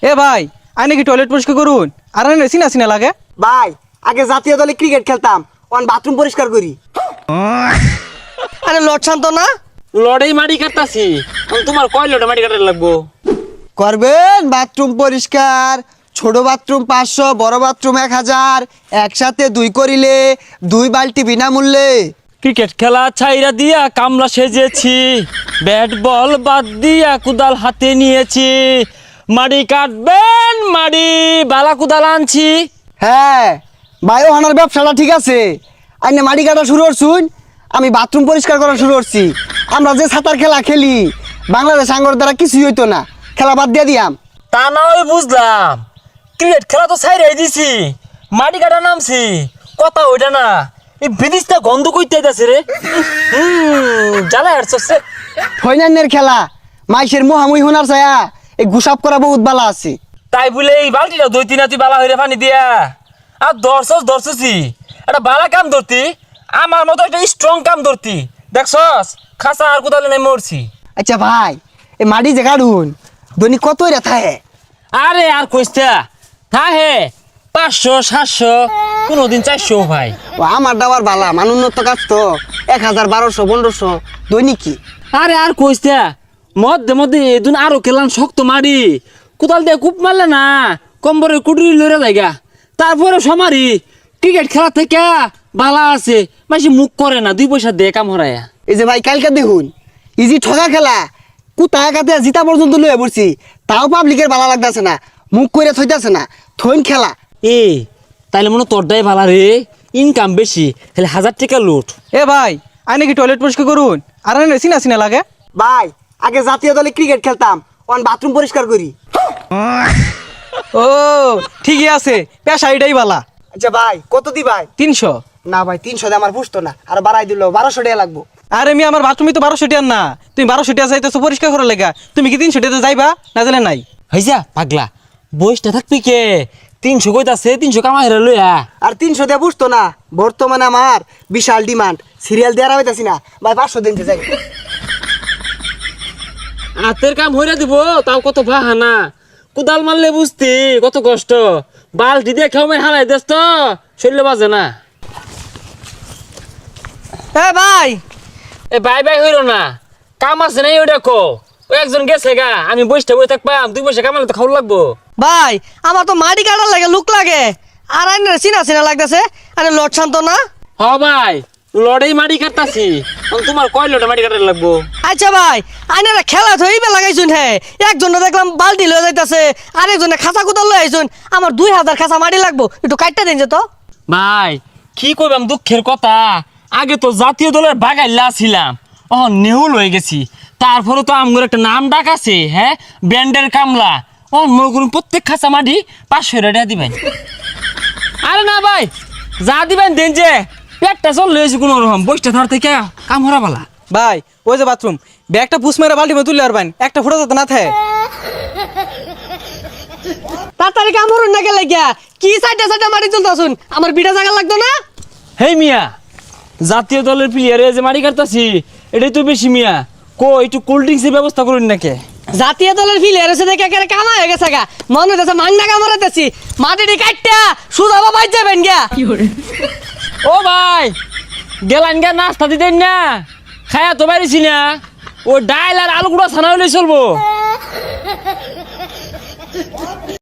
এ ভাই আই নাকি টয়লেট পরিষ্কার করুন আর আনে সিনা সিনা লাগে ভাই আগে জাতীয় দলে ক্রিকেট খেলতাম অন বাথরুম পরিষ্কার করি। আরে লট শান্ত না লড়াই মাটি কাটতাছি তোমার কয় লড়াই মাটি কাটার লাগবো করবেন বাথরুম পরিষ্কার, ছোট বাথরুম 500, বড় বাথরুম 1000, একসাথে 2 করিলে 2 বালতি বিনামূল্যে। ক্রিকেট খেলা ছাইরা দিয়া কামলা সেজেছি, ব্যাট বল বাদ দিয়া কুদাল হাতে নিয়েছি, মাটি কাটবেন মাটি বালা কুদাল আনছি। হ্যাঁ বায়ো হানার ব্যবসাটা ঠিক আছে, আইনে মাটি কাটা শুরু করছুন, আমি বাথরুম পরিষ্কার করা শুরু করছি। আমরা যে সাঁতার খেলা খেলি বাংলাদেশ আঙ্গর দ্বারা কিছুই হইতো না, খেলা বাদ দিয়ে দিয়াম। তা না হয় বুঝলাম, ক্রিকেট খেলা তো ছাইরাই দিছি, মাটি কাটা নামছি, কথা ওইটা না, এই বিদিশটা গন্ধ কইতে যাচ্ছে রে। জ্বালা হাঁটছে ফাইনালের খেলা মাইসের মোহামুই হোনার ছায়া এই গুসাপ করা বহুত বালা আছে। তাই বলে এই বালতিটা 2-3 তুই বালা হইরে পানি দিয়া আর ধরছি একটা বালা কাম ধরতি, আমার মতো একটা স্ট্রং কাম ধরতি, দেখছস খাসা আর কোদালে নাই মরছি। আচ্ছা ভাই এই মাটি যে কাটুন দৈনিক কত রেথা হে? আরে আর কইস্তা থা হে 500-700 কোনদিন 400 ভাই। ও আমার দাবার বালা মানুন্নত কাজ তো 1000, 1200, 1500 দৈনিক কি। আরে আর কইস্তা মধ্যে এদিন আরো খেলাম শক্ত মারি, কোদাল দিয়ে কূপ মারলে না কম্বরের কুটুরি লড়ে যায়গা, তারপরে সমারি ক্রিকেট খেলা থেকে বালা আছে মাসি মুখ করে না, 2 পয়সা দিয়ে কাম হরায়া। এই যে ভাই কালকে দেখুন ইজি ঠগা খেলা কুতায় কাতে জিতা পর্যন্ত লয়ে পড়ছি, তাও পাবলিকের বালা লাগতেছে না, মুখ করে থইতাছে না, থইন খেলা। এ তাইলে মনে তোরটাই ভালা রে, ইনকাম বেশি, তাহলে 1000 টাকা লুট। এ ভাই আই নাকি টয়লেট পরিষ্কার করুন আর আনে সিনা সিনা লাগে ভাই আগে জাতীয় দলে ক্রিকেট খেলতাম অন বাথরুম পরিষ্কার করি। ও ঠিকই আছে, পেশা এটাই বালা। আচ্ছা ভাই কত দি ভাই? 300। না ভাই 300 দিয়ে আমার পুষতো না, আর বাড়াই দিল 1200 টাকা লাগবো। আরে আমি আমার বাথরুমে তো 1200 টাকা না, তুমি 1200 টাকা যাইতেছো পরিষ্কার করার লেগা, তুমি কি 300 টাকা যাইবা না জানে নাই? হইজা পাগলা বইসটা থাকবি কে, 300 কইতাছে 300 কামাই রে লইয়া। আর 300 দিয়ে পুষতো না, বর্তমানে আমার বিশাল ডিমান্ড, সিরিয়াল দেওয়ার হইতাছি না ভাই, 500 দিন যাই। হাতের কাম হইরা দিব তাও কত বাহানা, কোদাল মারলে বুঝতি কত কষ্ট, বালতি দিয়ে খেয়ে হারাই দেস তো শরীরে বাজে না। এ ভাই এ বাই হইল না, কাম আছে নাই ওই দেখো, ওই একজন গেছে গা, আমি বসটা বই থাকবাম, 2 পয়সা কামালে তো খাওয়া লাগবো। ভাই আমার তো মাটি কাটার লাগে লুক লাগে, আর আইনে চিনা চিনা লাগতেছে, আরে লট শান্ত না। হ ভাই লড়াই মাটি কাটতাছি, তোমার কয় লড়াই মাটি কাটার লাগবো? আচ্ছা ভাই আইনারা খেলা ধইবে লাগাইছুন, হে একজনে দেখলাম বালতি লয়ে যাইতাছে, আরেকজনে খাঁচা কুদাল লয়ে আইছুন, আমার 2000 খাঁচা মাটি লাগবো, একটু কাটটা দিন যে তো। ভাই কি কইবাম দুঃখের কথা, আগে তো জাতীয় দলের বাগাইলা ছিলাম, নেহুল হয়ে গেছি, তারপরে তো আমগর একটা নাম ডাক আছে, হ্যাঁ ব্যান্ডের কামলা, মগুর প্রত্যেক খাঁচা মাটি 500 টাকা দিবেন। আরে না ভাই যা দিবেন দেন, যে পেটটা চল লয়েছি কোনো রকম, বইটা ধর থেকে কাম হরা বালা। ভাই ওই যে বাথরুম ব্যাগটা পুষ মেরে বালতি মে তুললে আর বাইন একটা ফুটা যাতে না থাকে। তাড়াতাড়ি কামড়ুন না গেলে গিয়া কি সাইডে মাটি তুলতাছুন, আমার বিটা জায়গা লাগতো না। হেই মিয়া, জাতীয় দলের প্লেয়ারে যে মাটি কাটতাছি এটাই তো বেশি মিয়া, একটু কোল্ড ড্রিঙ্কসের ব্যবস্থা করুন নাকি? জাতীয় দলের ফিলিয়ার এসে দেখে একেবারে কামা হয়ে গেছে গা, মনে হইতেছে মাংনা কামড়াইতেছি, মাটিটি কাটটা সুদা বাবাই যাবেন গিয়া। ও ভাই গেলান গা নাস্তা দিতেন না, খায়া তো পারিছি না, ও ডাইল আর আলু গুঁড়া ছানা হলে চলবো।